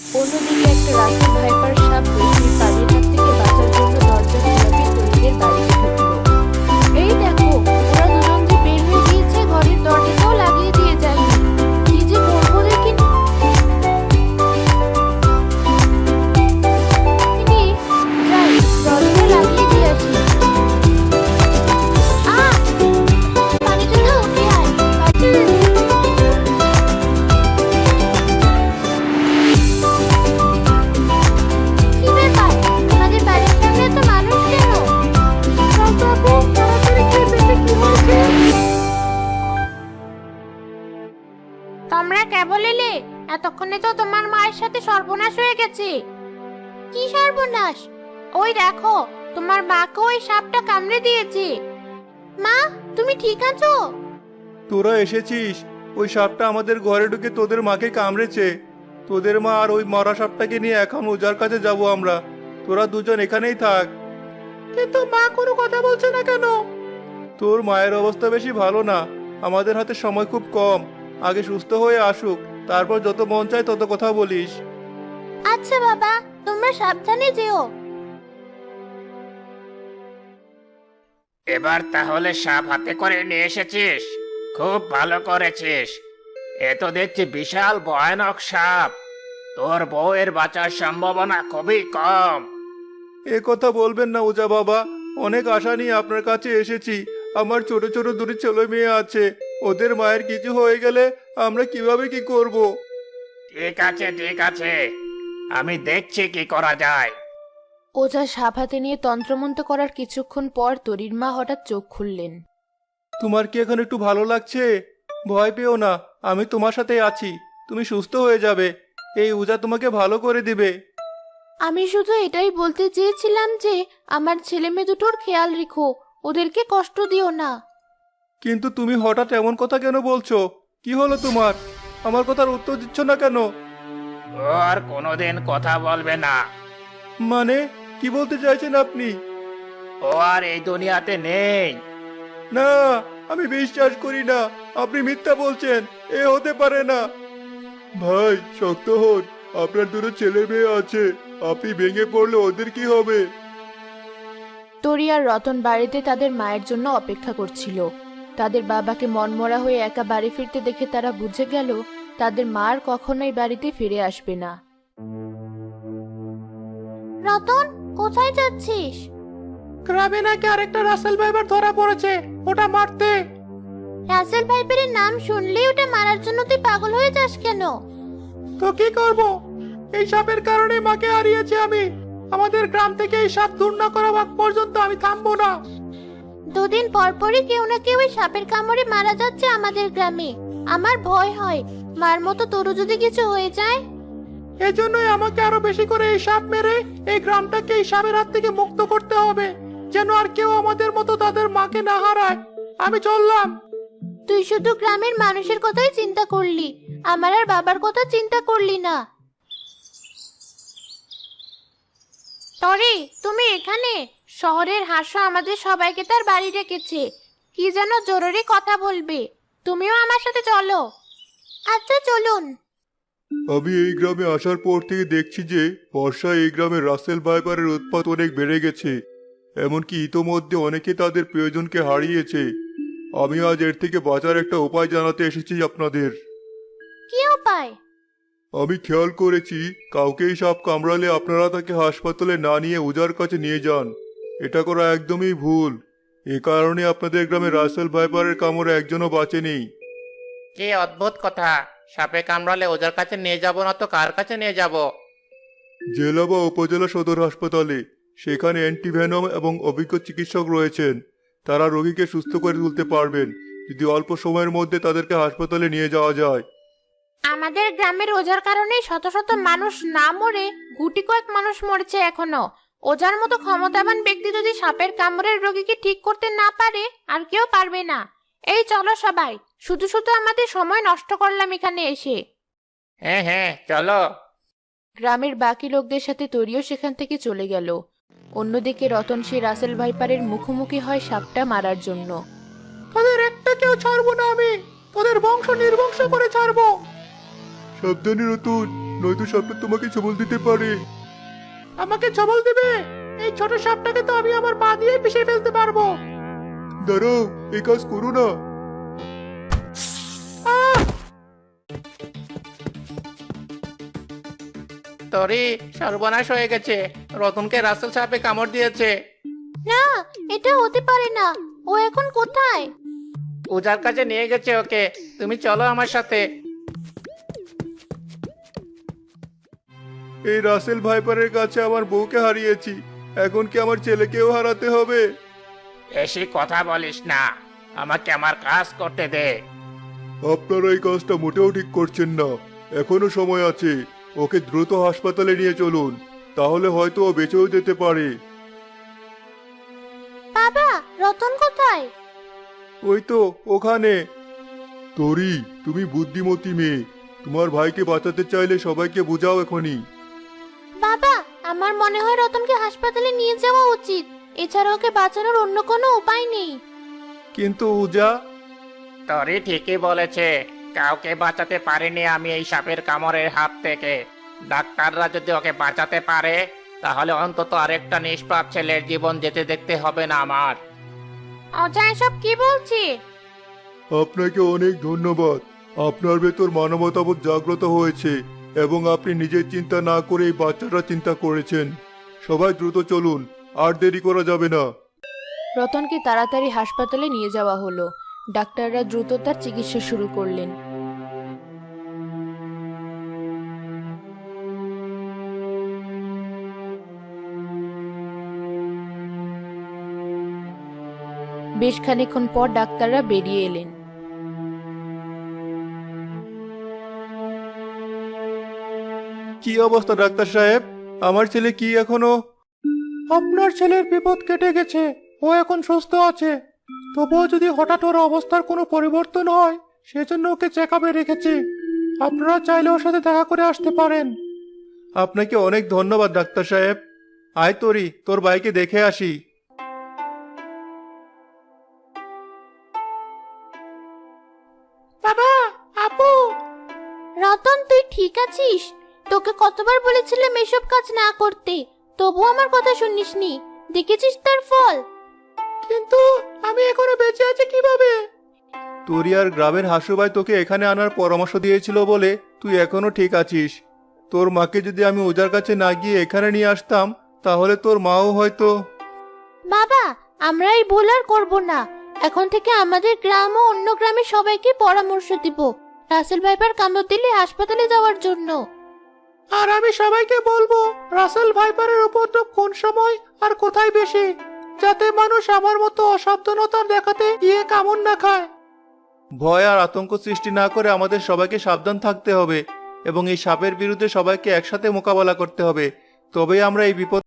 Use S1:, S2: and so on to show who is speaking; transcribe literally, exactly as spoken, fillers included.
S1: অন্যদিকে একটা Russell viper সাপ রেশমির পানির হাত থেকে বাঁচার জন্য দরজা খোলাতে তরুণীদের বাড়িতে ঢুকলো। এই দেখো, ওরা দুজন যে বের হয়ে গিয়েছে, ঘরের দরজাটাও লাগিয়ে দিয়ে যায়নি। কি যে করবো দেখি। যাই, দরজা লাগিয়ে দিয়ে আসি। আহ, পানিটা তো উঠে আয়। কি ব্যাপার, আমাদের বাড়ির সামনে এত মানুষ কেন? কাকু, তাড়াতাড়ি খেয়ে পেটে কি হয়েছে? তোমরা কেবল এলে? এতক্ষণে তো তোমার মায়ের সাথে সর্বনাশ হয়ে গেছে। কি সর্বনাশ? ওই দেখো, তোমার মাকে ওই সাপটা কামড়ে দিয়েছে। মা, তুমি ঠিক আছো?
S2: তোরা এসেছিস? ওই সাপটা আমাদের ঘরে ঢুকে তোদের মাকে কামড়েছে। তোদের মা আর ওই মরা সাপটাকে নিয়ে এখন ওজার কাছে যাব আমরা। তোরা দুজন এখানেই থাক। কিন্তু মা কোনো কথা বলছে না কেন? তোর মায়ের অবস্থা বেশি ভালো না। আমাদের হাতে সময় খুব কম। আগে সুস্থ হয়ে আসুক, তারপর যত মন চায় তত কথা বলিস।
S1: আচ্ছা বাবা, তোমরা সাবধানে যেও।
S3: এবার তাহলে সাপ হাতে করে নিয়ে এসেছিস, খুব ভালো করেছিস। এ তো দেখছি বিশাল ভয়ানক সাপ। তোর বউয়ের বাঁচার সম্ভাবনা খুবই কম।
S2: এ কথা বলবেন না ওজা বাবা, অনেক আশা নিয়ে আপনার কাছে এসেছি। আমার ছোট ছোট দুটি ছেলে মেয়ে আছে, ওদের মায়ের কিছু হয়ে গেলে আমরা কিভাবে কি করব?
S3: ঠিক আছে ঠিক আছে, আমি দেখছি কি করা যায়।
S1: ওঝা সাপ হাতে নিয়ে তন্ত্রমন্ত্র করার কিছুক্ষণ পর তরির মা হঠাৎ চোখ খুললেন।
S2: তোমার কি এখন একটু ভালো লাগছে? ভয় পেও না, আমি তোমার সাথে আছি। তুমি সুস্থ হয়ে যাবে। এই উজা তোমাকে ভালো করে দিবে।
S1: আমি শুধু এটাই বলতে চেয়েছিলাম যে আমার ছেলে মেয়ে দুটোর খেয়াল রেখো, ওদেরকে কষ্ট দিও না।
S2: কিন্তু তুমি হঠাৎ এমন কথা কেন বলছো? কি হলো তোমার? আমার কথার উত্তর দিচ্ছ না কেন?
S3: ও আর কোনোদিন কথা বলবে না।
S2: মানে কি বলতে চাইছেন আপনি?
S3: ও আর এই দুনিয়াতে নেই।
S2: না, আমি বিশ্বাস করি না। আপনি মিথ্যা বলছেন, এ হতে পারে না। ভাই শক্ত হন, আপনার দুটো ছেলে মেয়ে আছে। আপনি ভেঙে পড়লে ওদের কি হবে?
S1: তরি আর রতন বাড়িতে তাদের মায়ের জন্য অপেক্ষা করছিল। তাদের বাবাকে মনমরা হয়ে একা বাড়ি ফিরতে দেখে তারা বুঝে গেল তাদের মা আর কখনোই বাড়িতে ফিরে আসবে না। রতন, কোথায় যাচ্ছিস?
S2: গ্রামে নাকি আরেকটা রাসেল ভাইবার ধরা পড়েছে, ওটা মারতে।
S1: রাসেল ভাইপারের নাম শুনলেই ওটা মারার জন্য তুই পাগল হয়ে যাস কেন?
S2: তো কি করব? এই সাপের কারণে মাকে হারিয়েছি আমি। আমাদের গ্রাম থেকে এই সাপ দূর না করা আগ পর্যন্ত আমি থামবো না।
S1: দুদিন পর পরই কেউ না কেউ এই সাপের কামড়ে মারা যাচ্ছে আমাদের গ্রামে। আমার ভয় হয়, মার মতো তোরও যদি কিছু হয়ে যায়।
S2: এজন্যই আমাকে আরো বেশি করে এই সাপ মেরে এই গ্রামটাকে এই সাপের হাত থেকে মুক্ত করতে হবে, যেন আর কেউ আমাদের মতো তাদের মাকে না হারায়। আমি চললাম।
S1: তুই শুধু গ্রামের মানুষের কথাই চিন্তা করলি, আমার আর বাবার কথা চিন্তা করলি না। তরি, তুমি এখানে? শহরের হাসো আমাদের সবাইকে তার বাড়ি রেখেছে, কি যেন জরুরি কথা বলবে। তুমিও আমার সাথে চলো। আচ্ছা চলুন।
S2: আমি এই গ্রামে আসার পর থেকে দেখছি যে বর্ষায় এই গ্রামে রাসেল ভাইপারের উৎপাত অনেক বেড়ে গেছে। এমনকি ইতোমধ্যে অনেকে তাদের প্রিয়জনকে হারিয়েছে। আমি আজ এর থেকে বাঁচার একটা উপায় জানাতে এসেছি আপনাদের।
S1: কি উপায়?
S2: আমি খেয়াল করেছি কাউকেই সাপ কামড়ালে আপনারা তাকে হাসপাতালে না নিয়ে ওজার কাছে নিয়ে যান। এটা করা একদমই ভুল। এ কারণে আপনাদের গ্রামে রাসেল ভাইপারের কামড়ে একজনও বাঁচেনি।
S3: কি অদ্ভুত কথা! সাপে কামড়ালে ওজার কাছে নিয়ে যাব না তো কার কাছে নিয়ে যাব?
S2: জেলা বা উপজেলা সদর হাসপাতালে। সেখানে অ্যান্টিভেনম এবং অভিজ্ঞ চিকিৎসক রয়েছেন। তারা রোগীকে সুস্থ করে তুলতে পারবেন যদি অল্প সময়ের মধ্যে তাদেরকে হাসপাতালে নিয়ে যাওয়া যায়।
S1: আমাদের গ্রামের ওজার কারণে শত শত মানুষ না মরে গুটি কয়েক মানুষ মরেছে এখনো। ওজার মতো ক্ষমতাবান ব্যক্তি যদি সাপের কামড়ের রোগীকে ঠিক করতে না পারে, আর কেউ পারবে না। এই চলো সবাই, শুধু শুধু আমাদের সময় নষ্ট করলাম এখানে এসে।
S3: হ্যাঁ হ্যাঁ চলো।
S1: গ্রামের বাকি লোকদের সাথে তরিও সেখান থেকে চলে গেল। অন্যদিকে রতন সেই রাসেল ভাইপারের মুখোমুখি হয় সাপটা মারার জন্য।
S2: তাদের একটা কেউ ছাড়বো না আমি, তোদের বংশ নির্বংশ করে ছাড়বো। সাবধানে রতুন, নয়তো সাপটা তোমাকে ছবল দিতে পারে। আমাকে ছবল দিবে? এই ছোট সাপটাকে তো আমি আমার পা দিয়ে পিষে ফেলতে পারবো। দাঁড়াও, এই কাজ করো না।
S3: তরি, সর্বনাশ হয়ে গেছে। রতনকে রাসেল সাপে কামড় দিয়েছে।
S1: না, এটা হতে পারে না। ও এখন কোথায়?
S3: ওজার কাছে নিয়ে গেছে ওকে। তুমি চলো আমার সাথে।
S2: এই রাসেল ভাইপারের কাছে আমার বউকে হারিয়েছি, এখন কি আমার ছেলেকেও হারাতে হবে?
S3: বেশি কথা বলিস না, আমাকে আমার কাজ করতে দে।
S2: আপনারা এই কাজটা মোটেও ঠিক করছেন না। এখনো সময় আছে, ওকে দ্রুত হাসপাতালে নিয়ে চলুন, তাহলে হয়তো ও বেঁচেও যেতে পারে।
S1: বাবা, রতন কোথায়?
S2: ওই তো ওখানে। তরি, তুমি বুদ্ধিমতী মেয়ে, তোমার ভাইকে বাঁচাতে চাইলে সবাইকে বোঝাও এখনই।
S1: বাবা, আমার মনে হয় রতনকে হাসপাতালে নিয়ে যাওয়া উচিত। এছাড়া ওকে বাঁচানোর অন্য কোনো উপায় নেই।
S2: কিন্তু উজা।
S3: তরি ঠিকই বলেছে, কাউকে বাঁচাতে পারিনি আমি এই সাপের কামড়ের হাত থেকে। ডাক্তাররা যদি ওকে বাঁচাতে পারে, তাহলে অন্তত আরেকটা নিষ্পাপ ছেলের জীবন যেতে দেখতে হবে না আমার।
S1: অজা এসব কি বলছে?
S2: আপনাকে অনেক ধন্যবাদ। আপনার ভেতর মানবতাবোধ জাগ্রত হয়েছে এবং আপনি নিজের চিন্তা না করে এই বাচ্চাটা চিন্তা করেছেন। সবাই দ্রুত চলুন, আর দেরি করা যাবে না।
S4: রতনকে তাড়াতাড়ি হাসপাতালে নিয়ে যাওয়া হলো। ডাক্তাররা দ্রুত তার চিকিৎসা শুরু করলেন। বেশ খানিকক্ষণ পর ডাক্তাররা বেরিয়ে এলেন।
S2: কি অবস্থা ডাক্তার সাহেব? আমার ছেলে কি এখনো? আপনার ছেলের বিপদ কেটে গেছে, ও এখন সুস্থ আছে। তবুও যদি হঠাৎ ওর অবস্থার কোনো পরিবর্তন হয়, সেজন্য ওকে চেক আপে রেখেছি। আপনারা চাইলে ওর সাথে দেখা করে আসতে পারেন। আপনাকে অনেক ধন্যবাদ ডাক্তার সাহেব। আয় তরি, তোর ভাইকে দেখে আসি।
S1: বাবা, আপু। রতন, তুই ঠিক আছিস? তোকে কতবার বলেছিলাম এসব কাজ না করতে, তবু আমার কথা শুনিসনি। দেখেছিস তার ফল? কিন্তু আমি এখনো বেঁচে আছি কিভাবে?
S2: তোরি আর গ্রামের হাসুভাই তোকে এখানে আনার পরামর্শ দিয়েছিল বলে তুই এখনো ঠিক আছিস। তোর মাকে যদি আমি ওজার কাছে না গিয়ে এখানে নিয়ে আসতাম, তাহলে তোর মাও হয়তো।
S1: বাবা, আমরা এই ভুল আর করবো না। এখন থেকে আমাদের গ্রাম ও অন্য গ্রামে সবাইকে পরামর্শ দিব রাসেল ভাইপার কামড় দিলে হাসপাতালে যাওয়ার জন্য।
S2: আর আমি সবাইকে বলবো রাসেল ভাইপারের উপদ্রব কোন সময় আর কোথায় বেশি, যাতে মানুষ আমার মতো অসাবধানতা দেখাতে গিয়ে কামড় না খায়। ভয় আর আতঙ্ক সৃষ্টি না করে আমাদের সবাইকে সাবধান থাকতে হবে এবং এই সাপের বিরুদ্ধে সবাইকে একসাথে মোকাবেলা করতে হবে। তবেই আমরা এই বিপদ